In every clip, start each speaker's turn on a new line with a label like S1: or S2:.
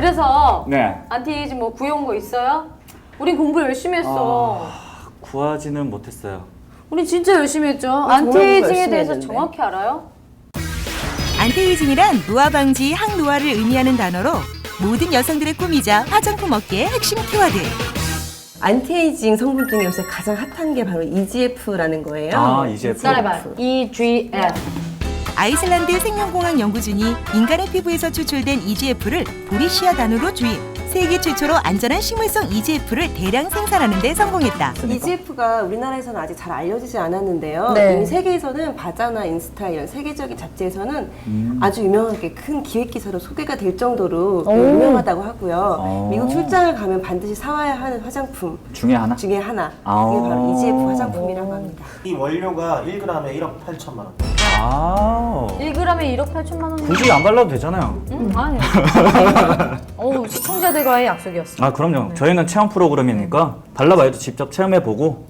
S1: 그래서
S2: 네.
S1: 안티에이징 뭐 구해온 거 있어요? 우리 공부 열심히 했어.
S2: 구하지는 못했어요.
S1: 우리 진짜 열심히 했죠.
S3: 정말
S1: 안티에이징에
S3: 열심히
S1: 대해서
S3: 했는데.
S1: 정확히 알아요?
S4: 안티에이징이란 노화 방지, 항노화를 의미하는 단어로 모든 여성들의 꿈이자 화장품 업계의 핵심 키워드.
S3: 안티에이징 성분 중에 요새 가장 핫한 게 바로 EGF라는 거예요.
S2: EGF.
S1: 따라해봐. EGF.
S4: 아이슬란드 생명공학 연구진이 인간의 피부에서 추출된 EGF를 보리시아 단으로 주입. 세계 최초로 안전한 식물성 EGF를 대량 생산하는 데 성공했다.
S3: EGF가 우리나라에서는 아직 잘 알려지지 않았는데요.
S1: 네.
S3: 이미 세계에서는 바자나 인스타 이런 세계적인 잡지에서는 아주 유명하게 큰 기획 기사로 소개가 될 정도로 유명하다고 하고요. 미국 출장을 가면 반드시 사와야 하는 화장품
S2: 중에 하나?
S3: 중에 하나.
S2: 아.
S3: 이게 바로 EGF 화장품이라고 합니다.
S5: 이 원료가 1g에 1억 8천만 원.
S1: 1g에 1억 8천만 원.
S2: 굳이 안 발라도 되잖아요.
S1: 아니. 어우, 시청자들과의 약속이었어.
S2: 아, 그럼요. 저희는 체험 프로그램이니까 발라봐야죠. 직접 체험해보고.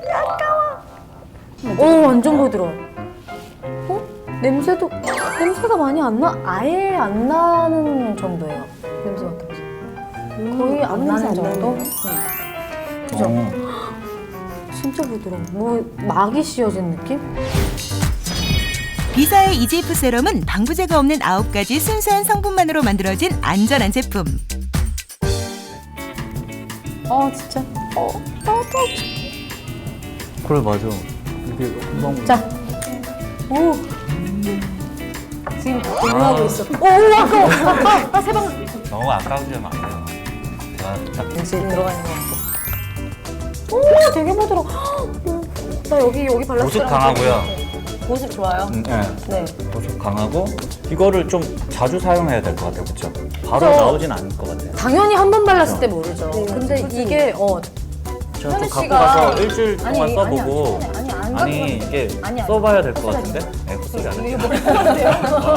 S1: 오, 완전 부드러워. 어? 냄새가 많이 안 나? 아예 안 나는 정도예요. 냄새 맡아보세요. 거의 안
S3: 아무 냄새
S1: 나는
S3: 안
S1: 정도?
S3: 나네요.
S1: 네. 그죠?
S2: 어.
S1: 진짜 부드러워. 뭐, 막이 씌워진 느낌?
S4: 비사의 EGF 세럼은 방부제가 없는 9가지 순수한 성분만으로 만들어진 안전한 제품.
S1: 진짜.
S2: 그래, 맞아. 이게 금방.
S1: 자. 오. 지금 공유하고 있어. 오, 아까워. 세 방.
S2: 너무 아까우시면 안 돼요. 제가 딱
S1: 역시 들어가 있는 것 같고. 오, 되게 부드러워. 나 여기 발랐어.
S2: 보습 강하고요.
S1: 보습 좋아요?
S2: 네.
S1: 네.
S2: 보습 강하고 이거를 좀 자주 사용해야 될 것 같아요. 그렇죠? 바로
S1: 그쵸.
S2: 나오진 않을 것 같아요.
S1: 당연히 한 번 발랐을 때 모르죠.
S3: 네,
S1: 근데
S3: 그치.
S1: 이게
S2: 제가
S1: 현우
S2: 또 갖고
S1: 씨가-
S2: 가서 일주일 동안
S1: 아니,
S2: 써보고
S1: 아니, 안
S2: 아니,
S1: 갖고
S2: 이게
S1: 아니, 아니.
S2: 써봐야 될 것 같은데? 네, 헛소리 안
S1: 이게
S2: 할게요.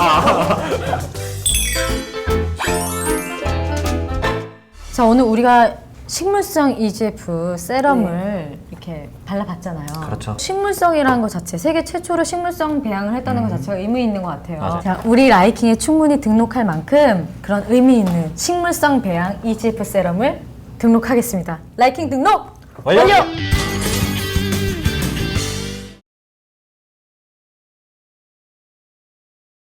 S1: 자, 오늘 우리가 식물성 EGF 세럼을 이렇게 발라봤잖아요.
S2: 그렇죠.
S1: 식물성이라는 것 자체, 세계 최초로 식물성 배양을 했다는 것 자체가 의미 있는 것 같아요.
S2: 맞아요.
S1: 자, 우리 라이킹에 충분히 등록할 만큼 그런 의미 있는 식물성 배양 EGF 세럼을 등록하겠습니다. 라이킹 등록
S2: 완료!
S1: 완료!